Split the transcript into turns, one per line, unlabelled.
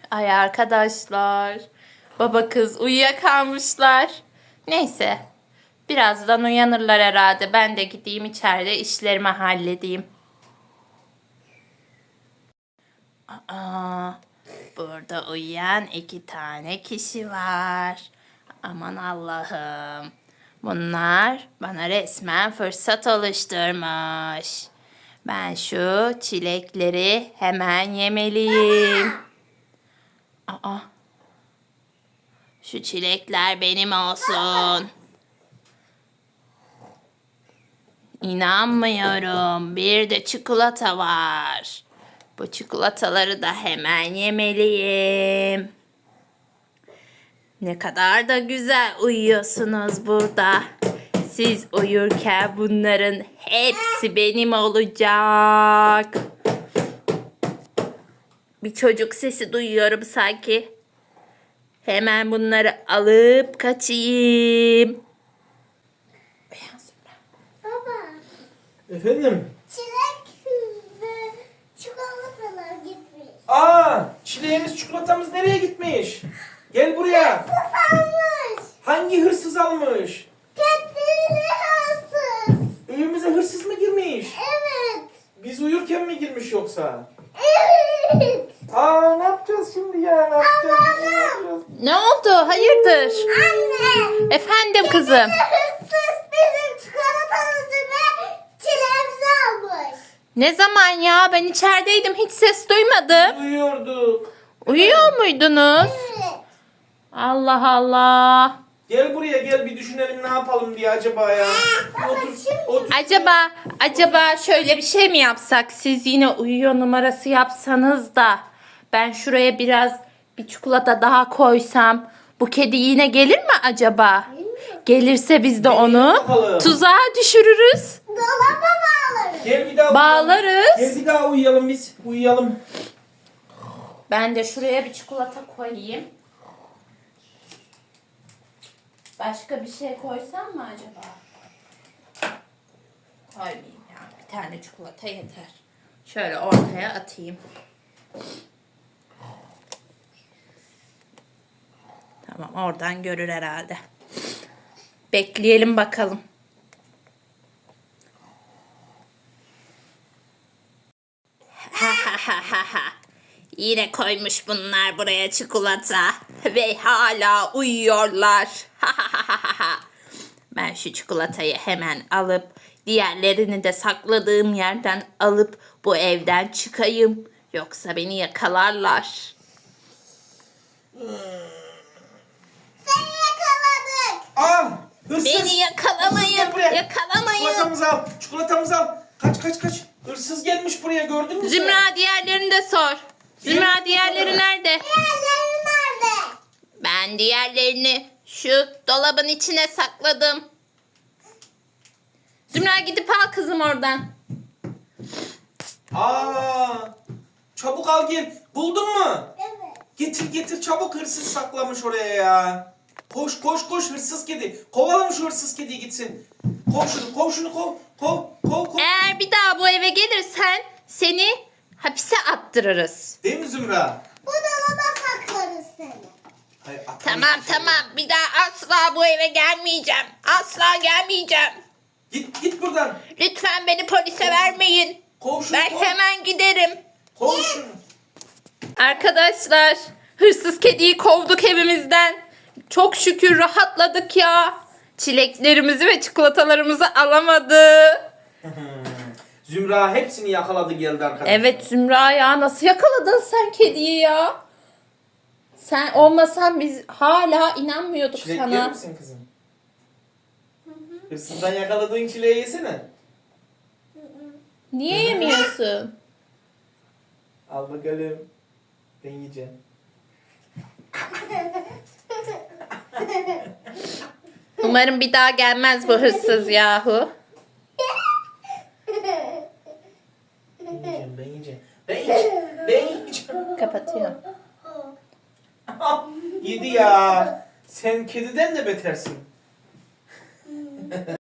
Ay arkadaşlar. Baba kız uyuyakalmışlar. Neyse. Birazdan uyanırlar herhalde. Ben de gideyim içeride işlerimi halledeyim. Aa, burada uyuyan 2 tane kişi var. Aman Allah'ım. Bunlar bana resmen fırsat oluşturmuş. Ben şu çilekleri hemen yemeliyim. Aa, şu çilekler benim olsun. İnanmıyorum. Bir de çikolata var. Bu çikolataları da hemen yemeliyim. Ne kadar da güzel uyuyorsunuz burada. Siz uyurken bunların hepsi benim olacak. Bir çocuk sesi duyuyorum sanki. Hemen bunları alıp kaçayım.
Baba,
Efendim?
çilek ve çikolatalar gitmiş.
Çileğimiz, çikolatamız nereye gitmiş? Gel buraya.
Susamış.
Hangi hırsız almış?
Kendini hırsız.
Evimize hırsız mı girmiş?
Evet.
Biz uyurken mi girmiş yoksa?
Evet.
Ne yapacağız şimdi ya? Ne yapacağız?
Ne oldu? Hayırdır?
Anne.
Efendim kızım.
Hırsız bizim çikolatamızı ve çileğimizi almış.
Ne zaman ya? Ben içerideydim. Hiç ses duymadım.
Uyuyorduk.
Uyuyor muydunuz?
Evet.
Allah Allah.
Gel buraya, gel bir düşünelim ne yapalım diye acaba ya. Otur.
Acaba şöyle bir şey mi yapsak? Siz yine uyuyor numarası yapsanız da ben şuraya biraz bir çikolata daha koysam bu kedi yine gelir mi acaba? Gelirse biz de onu
bakalım.
tuzağa düşürürüz.
Dolaba bağlarız.
Gel bir daha
Bağlarız.
uyuyalım. Gel bir daha uyuyalım biz. Uyuyalım.
Ben de şuraya bir çikolata koyayım. Başka bir şey koysam mı acaba? Koymayayım ya. Bir tane çikolata yeter. Şöyle ortaya atayım. Tamam, oradan görür herhalde. Bekleyelim bakalım. Yine koymuş bunlar buraya çikolata ve hala uyuyorlar. Ben şu çikolatayı hemen alıp diğerlerini de sakladığım yerden alıp bu evden çıkayım. Yoksa beni yakalarlar.
Seni yakaladık.
Hırsız.
Beni yakalamayın.
Hırsız gel buraya.
Yakalamayın.
Çikolatamızı al. Çikolatamızı al. Kaç. Hırsız gelmiş buraya, gördün mü sen?
Zümra, diğerlerini de sor. Zümra, diğerleri nerede?
Diğerleri nerede?
Ben diğerlerini şu dolabın içine sakladım. Zümra, gidip al kızım oradan.
Çabuk al gel. Buldun mu?
Evet.
Getir çabuk, hırsız saklamış oraya ya. Koş hırsız kedi. Kovalım şu hırsız kediyi gitsin. Kov şunu.
Eğer bir daha bu eve gelirsen seni hapise attırırız.
Değil mi Zümra?
Bu dolaba saklarız seni.
Hayır,
Tamam. Bir daha asla bu eve gelmeyeceğim. Asla gelmeyeceğim.
Git buradan.
Lütfen beni polise vermeyin.
Kov şunu.
Ben hemen giderim.
Kov şunu.
Arkadaşlar, hırsız kediyi kovduk evimizden. Çok şükür rahatladık ya. Çileklerimizi ve çikolatalarımızı alamadı.
Zümra hepsini yakaladı geldi arkadaşlar.
Evet Zümra ya, nasıl yakaladın sen kediyi ya? Sen olmasan biz hala inanmıyorduk
Çilek
sana.
yer misin kızım? Hırsızdan yakaladığın çileği yesene.
Niye yemiyorsun?
Al bakalım. Ben yiyeceğim.
Umarım bir daha gelmez bu hırsız yahu.
Ben yiyeceğim. Ben yiyeceğim.
Kapatıyorum.
Yedi ya. Sen kediden de betersin.